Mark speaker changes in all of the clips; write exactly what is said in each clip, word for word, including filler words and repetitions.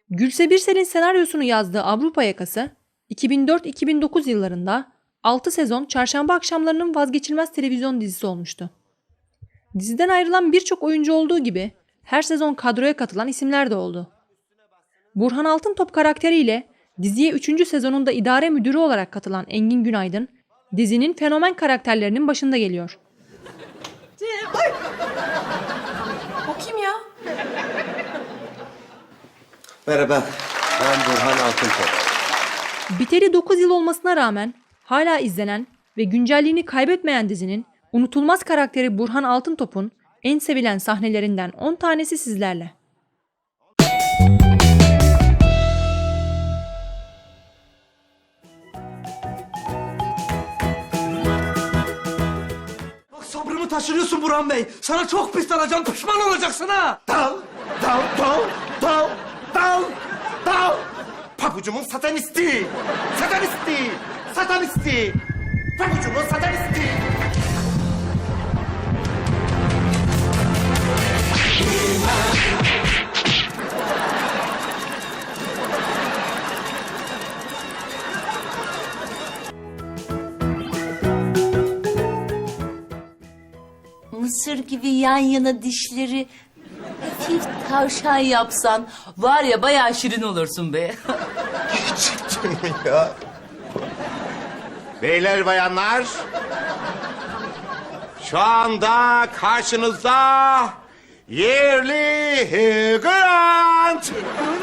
Speaker 1: Gülse Birsel'in senaryosunu yazdığı Avrupa Yakası, iki bin dört iki bin dokuz yıllarında altı sezon çarşamba akşamlarının vazgeçilmez televizyon dizisi olmuştu. Diziden ayrılan birçok oyuncu olduğu gibi her sezon kadroya katılan isimler de oldu. Burhan Altıntop karakteriyle diziye üçüncü sezonunda idare müdürü olarak katılan Engin Günaydın, dizinin fenomen karakterlerinin başında geliyor.
Speaker 2: Ay! O kim ya?
Speaker 3: Merhaba, ben Burhan Altıntop.
Speaker 1: Biteli dokuz yıl olmasına rağmen hala izlenen ve güncelliğini kaybetmeyen dizinin unutulmaz karakteri Burhan Altıntop'un en sevilen sahnelerinden on tanesi sizlerle.
Speaker 4: Bak sabrımı taşırıyorsun Burhan Bey. Sana çok pis dalacağım, pişman olacaksın ha.
Speaker 3: Dal, dal, dal, dal, dal, dal. Pabucumun satanisti, satanisti, satanisti. Pabucumun satanisti.
Speaker 5: Mısır gibi yan yana dişleri hafif tavşan yapsan var ya bayağı şirin olursun be.
Speaker 3: Gerçekten mi ya? Beyler bayanlar, şu anda karşınızda yerli Grant.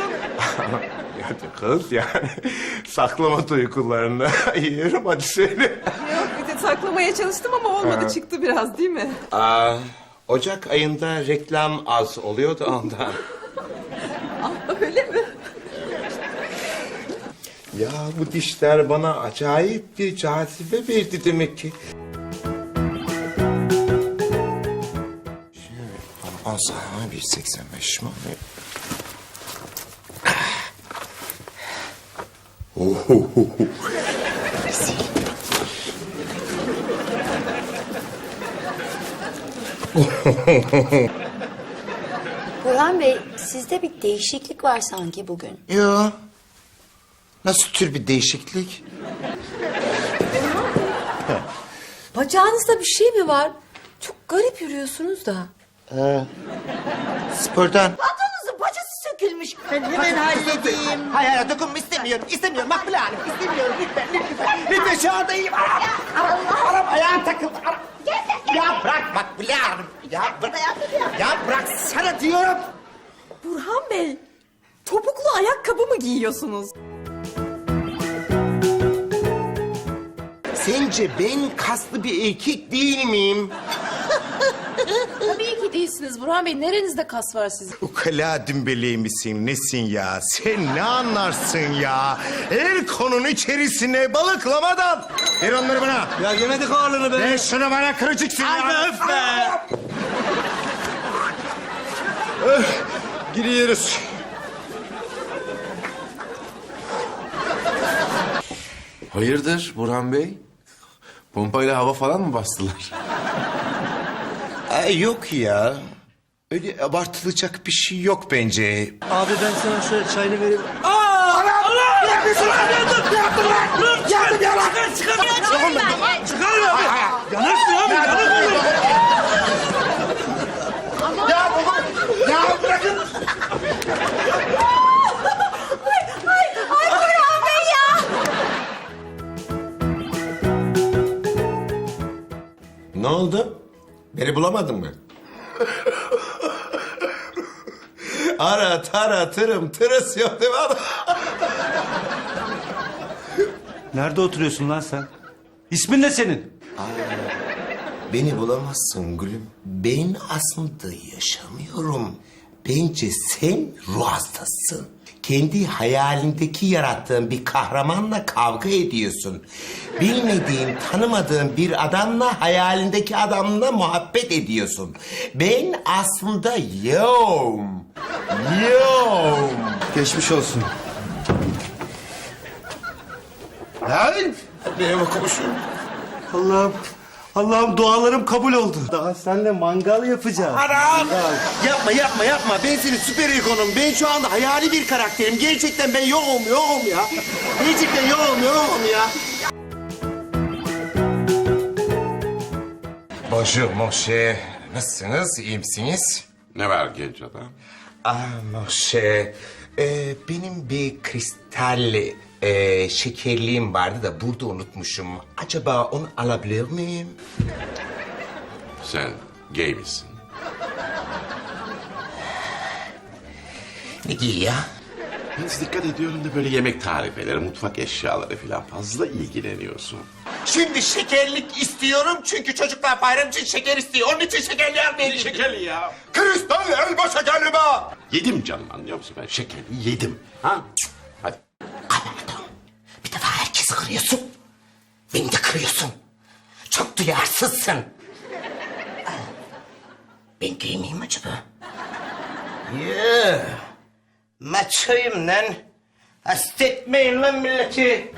Speaker 3: Ya kız yani saklama duygularını yiyorum, hadi söyle.
Speaker 2: Yok, bir de saklamaya çalıştım ama olmadı. Çıktı biraz değil mi?
Speaker 3: Aa, Ocak ayında reklam az oluyordu ondan.
Speaker 2: Ah, öyle mi?
Speaker 3: Ya bu dişler bana acayip bir cazibe verdi demek ki. Şimdi on sana bir seksen beş mi? Ohohoho.
Speaker 6: Burhan Bey, sizde bir değişiklik var sanki bugün.
Speaker 3: Ya nasıl tür bir değişiklik?
Speaker 2: Bacağınızda bir şey mi var? Çok garip yürüyorsunuz da.
Speaker 3: Spordan.
Speaker 7: Pantolonunuzun paçası sökülmüş. Ben hemen halledeyim.
Speaker 3: Hayır hayır dokunma, istemiyorum. İstemiyorum Makbule Hanım, istemiyorum lütfen lütfen. Lütfen şu anda iyiyim. Aram, aram, aram ayağım takıldı. Aram. Ya bırak Makbule Hanım. Ya bırak. Ya bırak sana diyorum.
Speaker 2: Burhan Bey, topuklu ayakkabı mı giyiyorsunuz?
Speaker 3: Sence ben kaslı bir erkek değil miyim?
Speaker 5: Tabii ki değilsiniz Burhan Bey. Nerenizde kas var sizin?
Speaker 3: Ukala dümbeleği misin, nesin ya? Sen ne anlarsın ya? El konunun içerisine balıklamadan. Ver onları bana.
Speaker 4: Ya yemedik ağırlığını be.
Speaker 3: Ver şunu bana, kırıcıksın ya.
Speaker 4: Ay be, öf be.
Speaker 3: Giriyoruz.
Speaker 8: Hayırdır Burhan Bey? Pompayla hava falan mı bastılar?
Speaker 3: Ay yok ya. Öyle abartılacak bir şey yok bence.
Speaker 4: Abi ben sana şöyle çayını vereyim. Aa! Allah! Allah! Ne yapıyorsun lan? Yandım! Yandım lan! Dur! Yandım ya lan! Çıkar! Çıkar! Çıkar! Çıkar abi! Yanırsın abi! Yanırsın!
Speaker 3: Ya baba! Ya bırakın! Ne oldu? Beni bulamadın mı? Ara tara tırım tırıs yok değil mi adam?
Speaker 4: Nerede oturuyorsun lan sen? İsmin ne senin?
Speaker 3: Beni bulamazsın gülüm. Ben aslında yaşamıyorum. Bence sen ruh hastasın. Kendi hayalindeki yarattığın bir kahramanla kavga ediyorsun. Bilmediğin, tanımadığın bir adamla hayalindeki adamla muhabbet ediyorsun. Ben aslında yoğum. Yoğum.
Speaker 8: Geçmiş olsun.
Speaker 3: Lan! Benim okumuşum.
Speaker 4: Allah'ım. Allah'ım dualarım kabul oldu. Daha seninle mangal yapacağız.
Speaker 3: Anam! Yapma yapma yapma. Ben senin süper ikonum. Ben şu anda hayali bir karakterim. Gerçekten ben yokum yokum ya. Gerçekten yokum yokum ya. Bonjour mon cher. Nasılsınız? İyi misiniz?
Speaker 8: Ne var genç adam?
Speaker 3: Ah mon cher. Ee, benim bir kristal e, şekerliğim vardı da burada unutmuşum. Acaba onu alabilir miyim?
Speaker 8: Sen gay misin?
Speaker 3: Ne diyor ya?
Speaker 8: Ben dikkat ediyorum da böyle yemek tarifeleri, mutfak eşyaları falan fazla ilgileniyorsun.
Speaker 3: Şimdi şekerlik istiyorum çünkü çocuklar bayram için şeker istiyor. Onun için şekerli almayayım.
Speaker 8: Şekerli ya.
Speaker 3: Kristal elma şekerli mi?
Speaker 8: Yedim canım, anlıyor musun? Ben şekerli yedim. Ha? Hadi.
Speaker 3: Anladım. Bir defa herkesi kırıyorsun. Beni de kırıyorsun. Çok duyarsızsın. Ben gay miyim acaba? Yeah. Maçoyum lan. Hasta etmeyin lan milleti.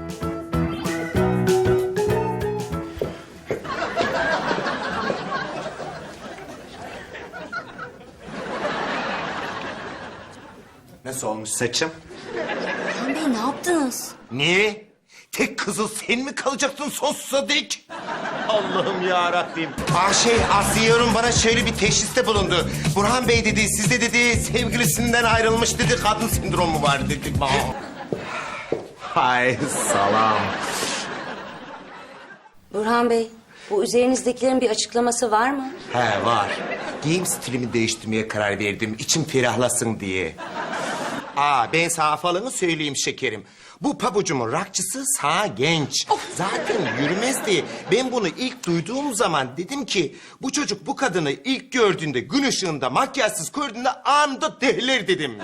Speaker 3: Nasıl olmuş saçım?
Speaker 6: Burhan Bey ne yaptınız?
Speaker 3: Ne? Tek kızıl sen mi kalacaksın sonsuza dek? Allah'ım ya Rabbim. Aa şey Asiye Hanım bana şöyle bir teşhiste bulundu. Burhan Bey dedi, sizde dedi sevgilisinden ayrılmış dedi, kadın sendromu var dedi. Hay salam.
Speaker 6: Burhan Bey, bu üzerinizdekilerin bir açıklaması var mı?
Speaker 3: He var. Giyim stilimi değiştirmeye karar verdim. İçim ferahlasın diye. Aa ben sana falanı söyleyeyim şekerim. Bu pabucumun rakçısı sağ genç. Zaten yürümezdi. Ben bunu ilk duyduğum zaman dedim ki... ...bu çocuk bu kadını ilk gördüğünde, gün ışığında, makyajsız gördüğünde anında dehler dedim.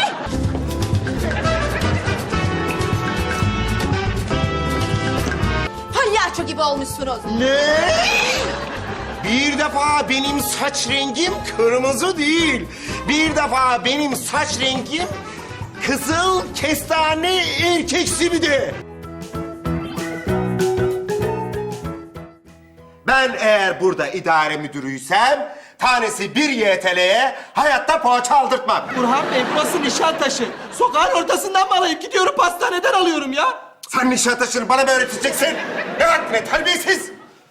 Speaker 2: Palyaço gibi olmuşsunuz.
Speaker 3: Ne? Bir defa benim saç rengim kırmızı değil. Bir defa benim saç rengim... ...kızıl kestane erkeksi bir de. Ben eğer burada idare müdürüysem... ...tanesi bir Y T L'ye hayatta poğaça aldırtmam.
Speaker 4: Burhan Bey burası Nişantaşı. Sokağın ortasından mı alayım? Gidiyorum pastaneden alıyorum ya.
Speaker 3: Sen Nişantaşı'nı bana mı öğreteceksin? Ne hakkına terbiyesiz?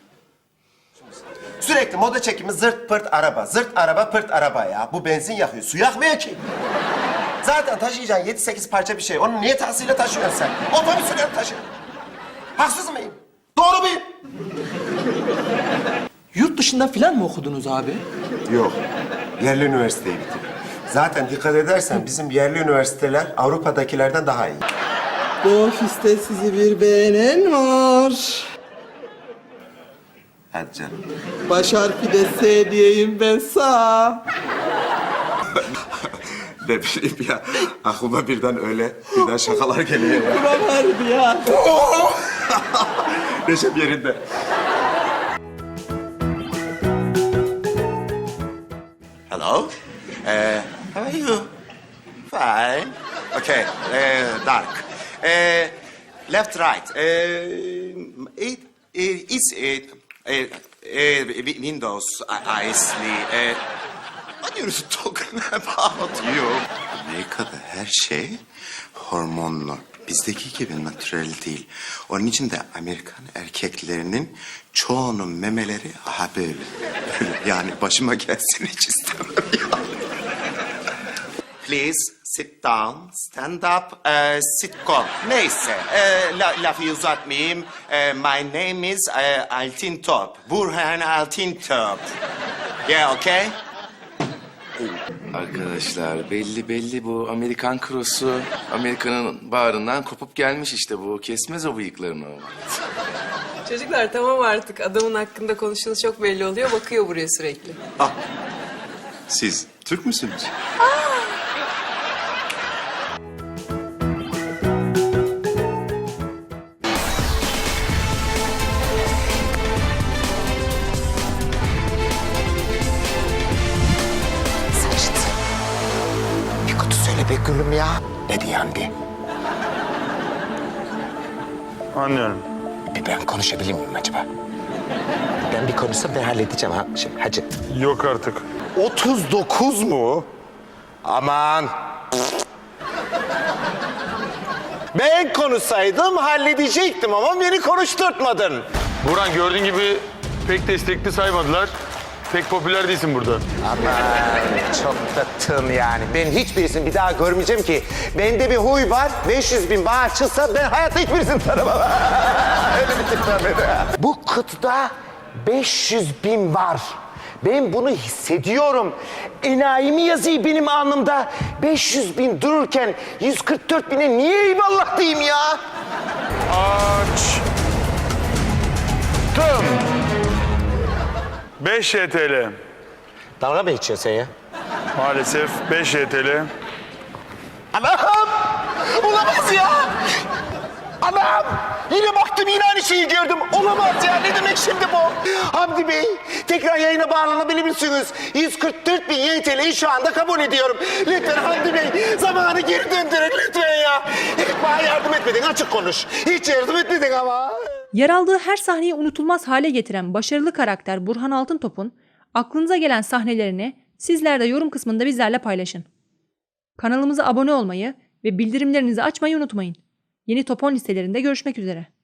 Speaker 3: Sürekli moda çekimi zırt pırt araba, zırt araba pırt araba ya. Bu benzin yakıyor, su yakmıyor ki. Zaten taşıyacağın yedi sekiz parça bir şey. Onu niye tahsiyle taşıyorsun sen? Otobüsüyle taşı. Haksız mıyım? Doğru muyum?
Speaker 4: Yurt dışında falan mı okudunuz abi?
Speaker 3: Yok. Yerli üniversiteyi bitirdim. Zaten dikkat edersen bizim yerli üniversiteler Avrupa'dakilerden daha iyi.
Speaker 4: Bu ofiste sizi bir beğenen var.
Speaker 3: Hadi canım.
Speaker 4: Baş harfi de S diyeyim ben sağ.
Speaker 3: Ne bileyim ya. Aklıma birden öyle birden şakalar geliyor ya.
Speaker 4: Buram harbi ya.
Speaker 3: Neşem yerinde. Hello. Uh, how are you? Fine. Okay. Uh, dark. Uh, left, right. Uh, it, it is it. Uh, uh, Windows, Isley. Uh, what are you talking about you? Amerika'da her şey hormonlu. Bizdeki gibi natürel değil. Onun için de Amerikan erkeklerinin çoğunun memeleri aha böyle. Böyle yani başıma gelsin hiç istemem ya. Please sit down, stand up, uh, sit go. Neyse, uh, la, lafı uzatmayayım. Uh, my name is uh, Altintop. Burhan Altintop. Yeah, okay?
Speaker 8: Arkadaşlar belli belli bu Amerikan krosu Amerika'nın bağrından kopup gelmiş işte bu. Kesmez o bıyıklarını o.
Speaker 9: Çocuklar tamam artık. Adamın hakkında konuştuğunuz çok belli oluyor. Bakıyor buraya sürekli.
Speaker 3: Ah, siz Türk müsünüz? Saçtı. Bir kutu söyle be gülüm ya. Ne diyen bir?
Speaker 4: Anlıyorum.
Speaker 3: Bir ben konuşabilir miyim acaba? Ben bir konuşsam ben halledeceğim ha. Şimdi, hacı.
Speaker 4: Yok artık.
Speaker 3: otuz dokuz mu? Aman. Ben konuşsaydım halledecektim ama beni konuşturtmadın.
Speaker 4: Burhan gördüğün gibi pek destekli saymadılar. Pek popüler değilsin burada.
Speaker 3: Aman çok da tın yani. Ben hiçbirisini bir daha görmeyeceğim ki. Bende bir huy var. beş yüz bin bağ çıksa ben hayatta hiçbirisini tanımam. Öyle bir tip var bende. Bu kıtada beş yüz bin var. Ben bunu hissediyorum. Enayi mi yazıyor benim alnımda? beş yüz bin dururken yüz kırk dört bine niye eyvallah diyeyim ya?
Speaker 4: Aç. Tım. beş Y T L.
Speaker 3: Dalga mı geçiyorsun sen ya?
Speaker 4: Maalesef beş Y T L.
Speaker 3: Anam! Olamaz ya! Anam! Yine baktım yine aynı şeyi gördüm. Olamaz ya. Ne demek şimdi bu? Hamdi Bey, tekrar yayına bağlanabilir misiniz? yüz kırk dört bin Y T L'yi şu anda kabul ediyorum. Lütfen Hamdi Bey, zamanı geri döndürün lütfen ya. Hiç bana yardım etmedin, açık konuş. Hiç yardım etmedin ama.
Speaker 1: Yer aldığı her sahneyi unutulmaz hale getiren başarılı karakter Burhan Altıntop'un aklınıza gelen sahnelerini sizler de yorum kısmında bizlerle paylaşın. Kanalımıza abone olmayı ve bildirimlerinizi açmayı unutmayın. Yeni Top on listelerinde görüşmek üzere.